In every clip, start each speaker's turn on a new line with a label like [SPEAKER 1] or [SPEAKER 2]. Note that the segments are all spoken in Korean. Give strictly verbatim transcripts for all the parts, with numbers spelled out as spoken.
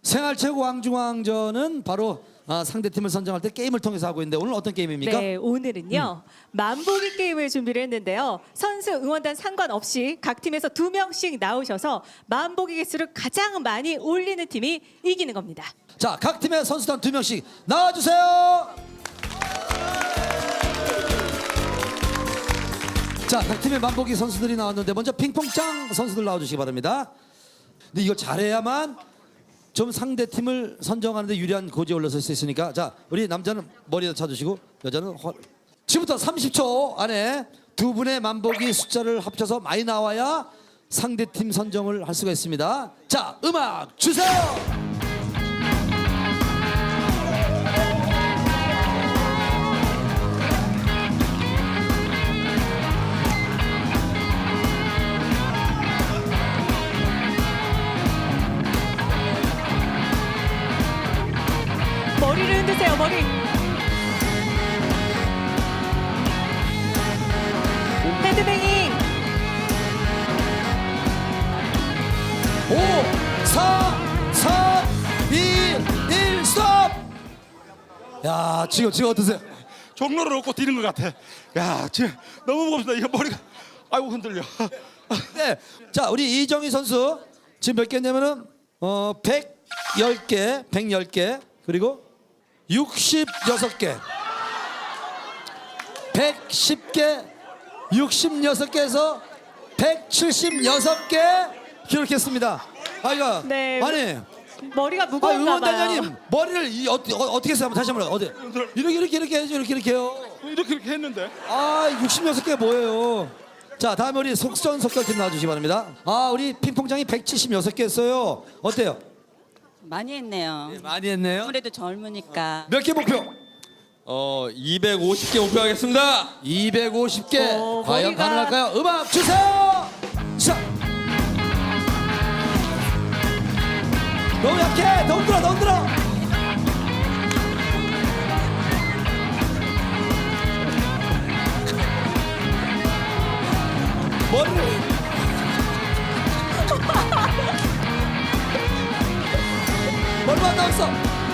[SPEAKER 1] 생활체육 왕중왕전은 바로 아, 상대팀을 선정할 때 게임을 통해서 하고 있는데 오늘 어떤 게임입니까?
[SPEAKER 2] 네, 오늘은요. 만보기 게임을 준비를 했는데요. 선수 응원단 상관없이 각 팀에서 두 명씩 나오셔서 만보기 개수를 가장 많이 올리는 팀이 이기는 겁니다.
[SPEAKER 1] 자, 각 팀의 선수단 두 명씩 나와주세요. 자, 각 팀의 만보기 선수들이 나왔는데 먼저 핑퐁짱 선수들 나와주시기 바랍니다. 근데 이걸 잘해야만 좀 상대 팀을 선정하는데 유리한 고지에 올라설 수 있으니까, 자, 우리 남자는 머리에다 쳐주시고 여자는 허... 지금부터 삼십 초 안에 두 분의 만보기 숫자를 합쳐서 많이 나와야 상대 팀 선정을 할 수가 있습니다. 자, 음악 주세요.
[SPEAKER 2] 머리를 흔드세요, 머리. 헤드뱅잉.
[SPEAKER 1] 오, 사, 삼, 이, 일, 스톱! 야, 지금, 지금 어떠세요?
[SPEAKER 3] 종로를 얻고 뛰는 것 같아. 야, 지금 너무 무겁다. 이거 머리가 아이고 흔들려.
[SPEAKER 1] 네. 자, 우리 이정희 선수 지금 몇 개냐면은 어, 백십 개, 백십 개, 그리고 육십육 개. 백십 개, 육십육 개에서 백칠십육 개 기록했습니다. 아, 이거
[SPEAKER 2] 네.
[SPEAKER 1] 아니,
[SPEAKER 2] 머리가
[SPEAKER 1] 아,
[SPEAKER 2] 무거운가 봐요.
[SPEAKER 1] 응원단장님 머리를 이, 어, 어, 어떻게 했어요? 한번 다시 한번 어디 이렇게 이렇게 이렇게 해야죠. 이렇게 이렇게 해요.
[SPEAKER 3] 이렇게 이렇게 했는데.
[SPEAKER 1] 아, 육십육 개 뭐예요? 자, 다음에 우리 속전속결팀 나와주시기 바랍니다. 아, 우리 핑퐁장이 백칠십육 개 했어요. 어때요?
[SPEAKER 4] 많이 했네요.
[SPEAKER 1] 네, 많이 했네요.
[SPEAKER 4] 아무래도 젊으니까.
[SPEAKER 1] 몇 개 목표?
[SPEAKER 5] 어 이백오십 개 목표하겠습니다.
[SPEAKER 1] 이백오십 개.
[SPEAKER 2] 어,
[SPEAKER 1] 과연
[SPEAKER 2] 머리가-
[SPEAKER 1] 가능할까요? 음악 주세요. 자, 너무 약해. 더 흔들어, 더 흔들어. 머리를. 머리만 나왔어.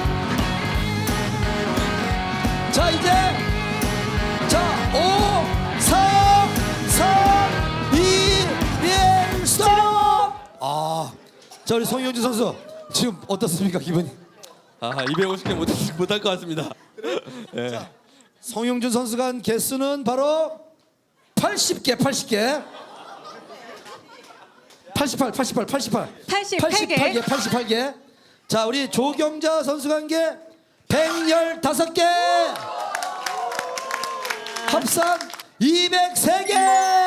[SPEAKER 1] 자, 이제 자, 오, 사, 삼, 이, 일, 스톱! 아, 자, 우리 송영준 선수 지금 어떻습니까, 기분이?
[SPEAKER 5] 아 이백오십 개 못, 못할 것 같습니다. 예.
[SPEAKER 1] 송영준 선수가 한 개수는 바로 팔십 개, 팔십 개. 팔십팔, 팔십팔, 팔십팔.
[SPEAKER 2] 팔십팔 개.
[SPEAKER 1] 팔십팔 개, 팔십팔 개. 자, 우리 조경자 선수가 한 게 백십오 개. 합산 이백삼 개.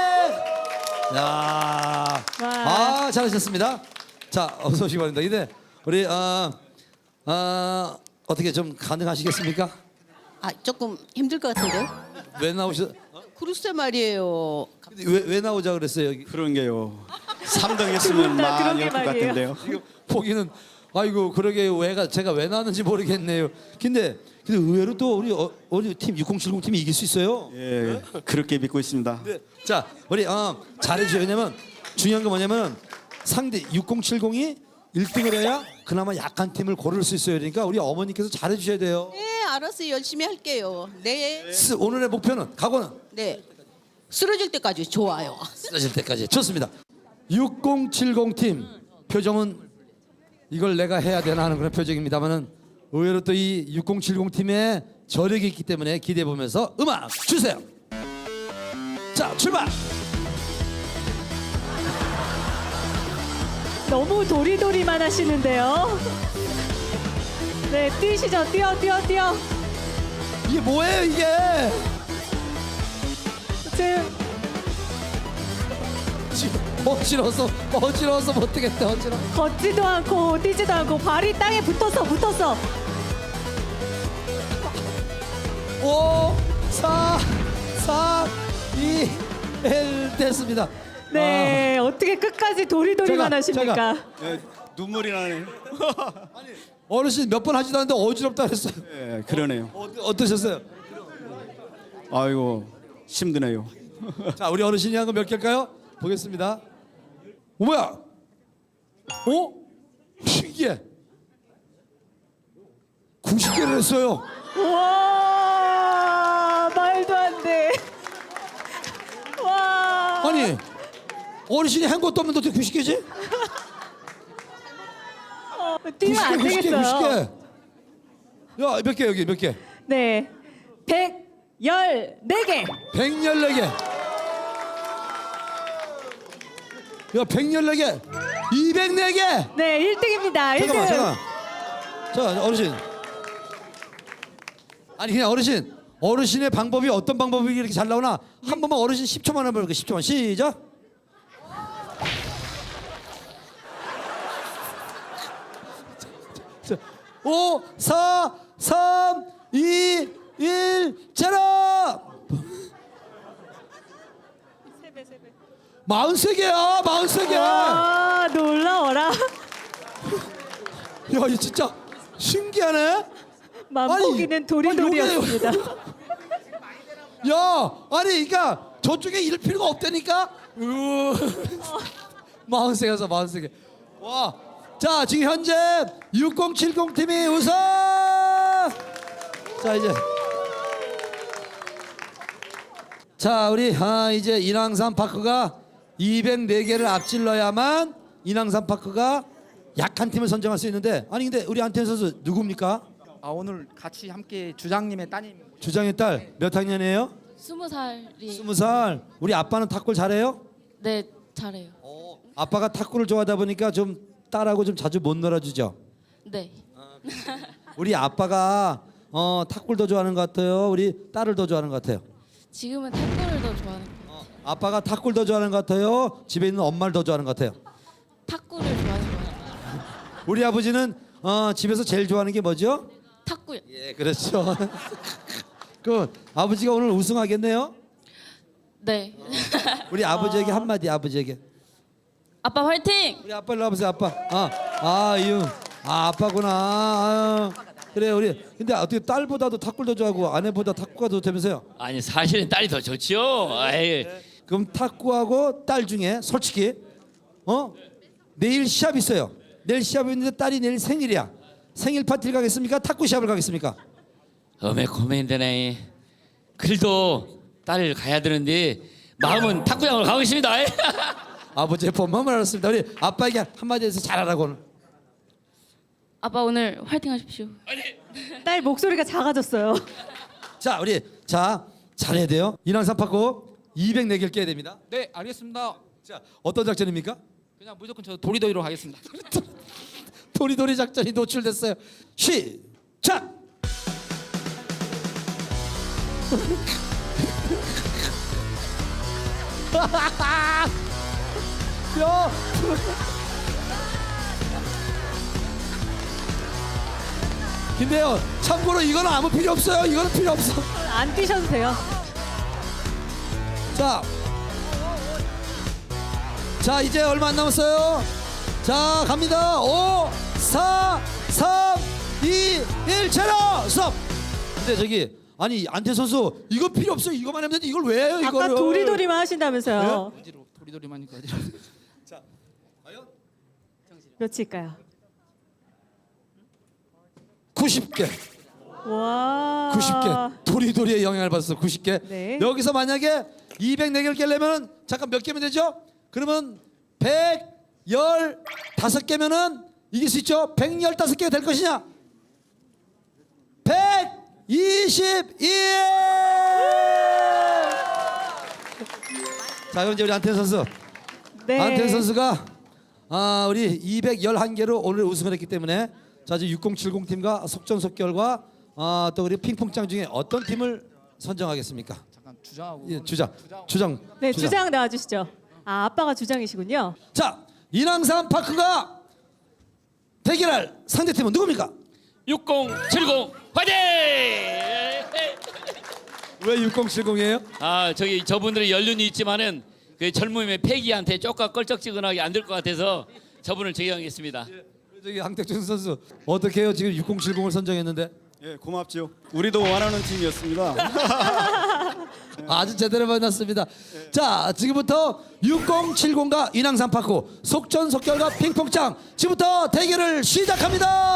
[SPEAKER 1] 야. 아, 잘하셨습니다. 자, 어서 오시기 바랍니다. 근데 우리 어, 어, 어떻게 좀 가능하시겠습니까?
[SPEAKER 6] 아 조금 힘들 것 같은데요?
[SPEAKER 1] 왜 나오셨?
[SPEAKER 6] 글쎄 말이에요.
[SPEAKER 1] 근데 왜, 왜 나오자 그랬어요, 여기?
[SPEAKER 3] 그런 게요. 삼 등
[SPEAKER 2] 두
[SPEAKER 3] 했으면
[SPEAKER 2] 분 다 그런
[SPEAKER 3] 많이
[SPEAKER 2] 게
[SPEAKER 3] 할 것
[SPEAKER 2] 말이에요.
[SPEAKER 3] 같은데요.
[SPEAKER 1] 지금 보기는 아이고 그러게 왜가 제가 왜 나왔는지 모르겠네요. 근데 근데 의외로 또 우리 어, 우리 팀 육공칠공 팀이 이길 수 있어요.
[SPEAKER 3] 예, 그렇게 믿고 있습니다.
[SPEAKER 1] 네. 자, 우리 어, 잘해주세요. 왜냐면 중요한 건 뭐냐면 상대 육공칠공이 일 등을 해야 그나마 약한 팀을 고를 수 있어요. 그러니까 우리 어머니께서 잘해주셔야 돼요.
[SPEAKER 6] 네, 알았어요. 열심히 할게요. 네,
[SPEAKER 1] 스- 오늘의 목표는 각오는
[SPEAKER 6] 네. 쓰러질 때까지 좋아요.
[SPEAKER 1] 쓰러질 때까지 좋습니다. 육공칠공 팀 표정은 이걸 내가 해야 되나 하는 그런 표정입니다만은 의외로 또 이 육공칠공 팀의 저력이 있기 때문에 기대해 보면서 음악 주세요. 자, 출발.
[SPEAKER 2] 너무 도리도리만 하시는데요. 네, 뛰시죠. 뛰어, 뛰어, 뛰어.
[SPEAKER 1] 이게 뭐예요 이게?
[SPEAKER 2] 지금
[SPEAKER 1] 지금 어지러워서 어지러워서 못 뛰겠다. 어지러.
[SPEAKER 2] 걷지도 않고 뛰지도 않고 발이 땅에 붙었어, 붙었어.
[SPEAKER 1] 오, 사, 삼, 이, 일 됐습니다.
[SPEAKER 2] 네, 어떻게 끝까지 도리도리만
[SPEAKER 1] 제가-
[SPEAKER 2] 하십니까?
[SPEAKER 1] 제가-
[SPEAKER 3] 예, 눈물이 나네요.
[SPEAKER 1] 어르신 몇 번 하지도 않는데 어지럽다 그랬어요.
[SPEAKER 3] 예, 그러네요.
[SPEAKER 1] 어, 어떠셨어요?
[SPEAKER 3] 아이고 힘드네요.
[SPEAKER 1] 자, 우리 어르신이 한 거 몇 개일까요? 보겠습니다. 어, 뭐야? 어? 신기해. 구십 개를 했어요.
[SPEAKER 2] 와 말도 안 돼. 와.
[SPEAKER 1] 아니 어르신이 한 것도 없는데 어떻게 구십 개지?
[SPEAKER 2] 어, 뛰면 안
[SPEAKER 1] 구십 개,
[SPEAKER 2] 되겠어요.
[SPEAKER 1] 구십 개. 야, 몇 개 여기 몇 개?
[SPEAKER 2] 네. 백십사 개.
[SPEAKER 1] 백십사 개. 야, 백십사 개. 이백사 개.
[SPEAKER 2] 네, 일 등입니다. 일 등.
[SPEAKER 1] 잠깐만, 잠깐만. 자, 어르신. 아니 그냥 어르신. 어르신의 방법이 어떤 방법이 이렇게 잘 나오나? 한 번만 어르신 십 초만 해볼게요. 십 초만. 시작. 자, 오, 사, 삼, 이, 일, 제로. 마흔세 개야, 마흔세 개. 야,
[SPEAKER 2] 와, 놀라워라.
[SPEAKER 1] 이거 진짜 신기하네.
[SPEAKER 2] 만보기는
[SPEAKER 1] 아니,
[SPEAKER 2] 도리도리였습니다.
[SPEAKER 1] 야, 아니, 그러니까 저쪽에 이럴 필요가 없다니까. 마흔세 개서 마흔세 개. 와, 자 지금 현재 육공칠공 팀이 우승. 자 이제, 자 우리 아 이제 인왕산 파크가 이백사 개를 앞질러야만 인왕산 파크가 약한 팀을 선정할 수 있는데, 아니 근데 우리 안태현 선수 누굽니까?
[SPEAKER 7] 아 오늘 같이 함께 주장님의 따님
[SPEAKER 1] 주장의 딸 몇 학년이에요?
[SPEAKER 8] 스무 살이
[SPEAKER 1] 스무 살. 우리 아빠는 탁구를 잘해요?
[SPEAKER 8] 네 잘해요.
[SPEAKER 1] 아빠가 탁구를 좋아하다 보니까 좀 딸하고 좀 자주 못 놀아주죠.
[SPEAKER 8] 네.
[SPEAKER 1] 우리 아빠가 어, 탁구를 더 좋아하는 것 같아요. 우리 딸을 더 좋아하는 것 같아요.
[SPEAKER 8] 지금은 탁구를 더 좋아하는 것 같아요.
[SPEAKER 1] 아빠가 탁구를 더 좋아하는 것 같아요. 집에 있는 엄마를 더 좋아하는 것 같아요.
[SPEAKER 8] 탁구를 좋아하는 것 같아요.
[SPEAKER 1] 우리 아버지는 어, 집에서 제일 좋아하는 게 뭐죠?
[SPEAKER 8] 탁구요.
[SPEAKER 1] 예, 그렇죠. 그 아버지가 오늘 우승하겠네요.
[SPEAKER 8] 네.
[SPEAKER 1] 우리 아버지에게 한마디, 아버지에게.
[SPEAKER 8] 아빠 화이팅!
[SPEAKER 1] 우리 아빠 일로 와보세요. 아빠. 아, 아, 이응. 아, 아빠구나. 아유. 그래, 우리. 근데 어떻게 딸보다도 탁구를 더 좋아하고 아내보다 탁구가 더 되면서요?
[SPEAKER 5] 아니 사실은 딸이 더 좋지요. 아이,
[SPEAKER 1] 그럼 탁구하고 딸 중에 솔직히 어 내일 시합 있어요. 내일 시합이 있는데 딸이 내일 생일이야. 생일 파티를 가겠습니까? 탁구 시합을 가겠습니까?
[SPEAKER 5] 어메 고민되네. 그래도 딸을 가야 되는데 마음은 탁구장으로 가고 있습니다.
[SPEAKER 1] 아버지의 본마음을 알았습니다. 우리 아빠에게 한마디 해서 잘하라고 오늘.
[SPEAKER 8] 아빠 오늘 화이팅 하십시오.
[SPEAKER 2] 딸 목소리가 작아졌어요.
[SPEAKER 1] 자, 우리 자 잘해야 돼요. 인왕산 파고 이백사 개를 깨야 됩니다.
[SPEAKER 7] 네 알겠습니다.
[SPEAKER 1] 자, 어떤 작전입니까?
[SPEAKER 7] 그냥 무조건 저 도리도리로 가겠습니다.
[SPEAKER 1] 도리도리 작전이 노출됐어요. 시작. 야. 근데요, 참고로 이거는 아무 필요 없어요. 이거는 필요 없어.
[SPEAKER 2] 안 뛰셔도 돼요.
[SPEAKER 1] 자, 자 이제 얼마 안 남았어요. 자 갑니다. 오, 사, 삼, 이, 일, 제로 스톱. 근데 저기 아니 안태 선수 이거 필요 없어요. 이거만 하면 되는데 이걸 왜 해요?
[SPEAKER 2] 아까
[SPEAKER 1] 이거를.
[SPEAKER 2] 도리도리만 하신다면서요.
[SPEAKER 7] 어디로 도리도리만 어디로?
[SPEAKER 2] 몇일까요?
[SPEAKER 1] 구십 개.
[SPEAKER 2] 와.
[SPEAKER 1] 구십 개. 도리도리의 영향을 받았어. 구십 개.
[SPEAKER 2] 네.
[SPEAKER 1] 여기서 만약에 이백사 개를 깨려면 잠깐 몇 개면 되죠? 그러면 백십오 개면은 이길 수 있죠? 백십오 개가 될 것이냐? 백이십일. 자, 그럼 이제 우리 안태현 선수.
[SPEAKER 2] 네.
[SPEAKER 1] 안태현 선수가 아, 우리 이백십일 개로 오늘 우승을 했기 때문에 자, 이제 육공칠공 팀과 속전속결과 아, 또 우리 핑퐁장 중에 어떤 팀을 선정하겠습니까?
[SPEAKER 7] 잠깐 주장하고.
[SPEAKER 1] 예, 주장. 주장.
[SPEAKER 2] 네, 주장 나와 주시죠. 아, 아빠가 주장이시군요.
[SPEAKER 1] 자, 인왕산 파크가 대결할 상대팀은 누굽니까?
[SPEAKER 5] 육공칠공 화이팅!
[SPEAKER 1] 왜 육공칠공이에요?
[SPEAKER 5] 아 저기 저분들의 연륜이 있지만은 그 젊음의 패기한테 쪼까 껄쩍지근하게 안 될 것 같아서 저분을 제기하겠습니다.
[SPEAKER 1] 저기 황택준 선수 어떻게 해요? 지금 육공칠공을 선정했는데
[SPEAKER 9] 예, 고맙죠. 우리도 원하는 팀이었습니다.
[SPEAKER 1] 아주 제대로 만났습니다. 자, 지금부터 육공칠공과 인왕산 파크 속전속결과 핑퐁장 지금부터 대결을 시작합니다.